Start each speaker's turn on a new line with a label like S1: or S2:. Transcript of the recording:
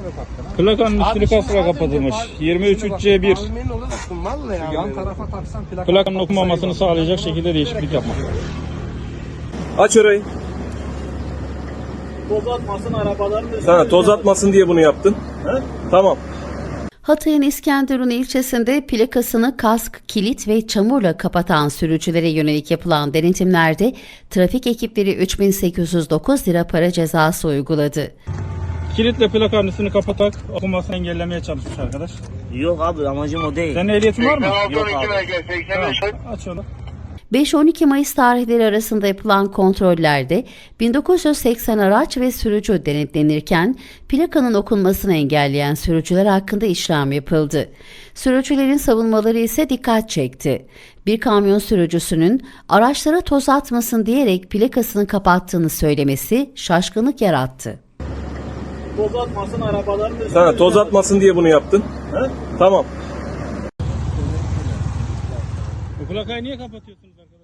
S1: Plakanın üstünü kasra kapatılmış. 23.3C1.
S2: Yan tarafa taksan
S1: Plakanın okunmamasını sağlayacak şekilde değişiklik yapmak.
S3: Aç orayı.
S1: Toz atmasın arabaların üstüne.
S3: Sana toz atmasın diye bunu yaptın.
S1: He?
S3: Tamam.
S4: Hatay'ın İskenderun ilçesinde plakasını kask, kilit ve çamurla kapatan sürücülere yönelik yapılan denetimlerde trafik ekipleri 3.809 lira para cezası uyguladı.
S1: Kilitle plakanın üstünü kapatak okunmasını engellemeye çalışmış arkadaş.
S5: Yok abi, amacım o değil.
S1: Senin ehliyetin var mı?
S5: Yok abi.
S1: Tamam. Aç onu.
S4: 5-12 Mayıs tarihleri arasında yapılan kontrollerde 1980 araç ve sürücü denetlenirken plakanın okunmasını engelleyen sürücüler hakkında işlem yapıldı. Sürücülerin savunmaları ise dikkat çekti. Bir kamyon sürücüsünün araçlara toz atmasın diyerek plakasını kapattığını söylemesi şaşkınlık yarattı.
S1: Toz atmasın arabaların üstüne.
S3: Sana toz atmasın diye bunu yaptın.
S1: He?
S3: Tamam.
S1: Bu plakayı niye kapatıyorsunuz arkadaşlar?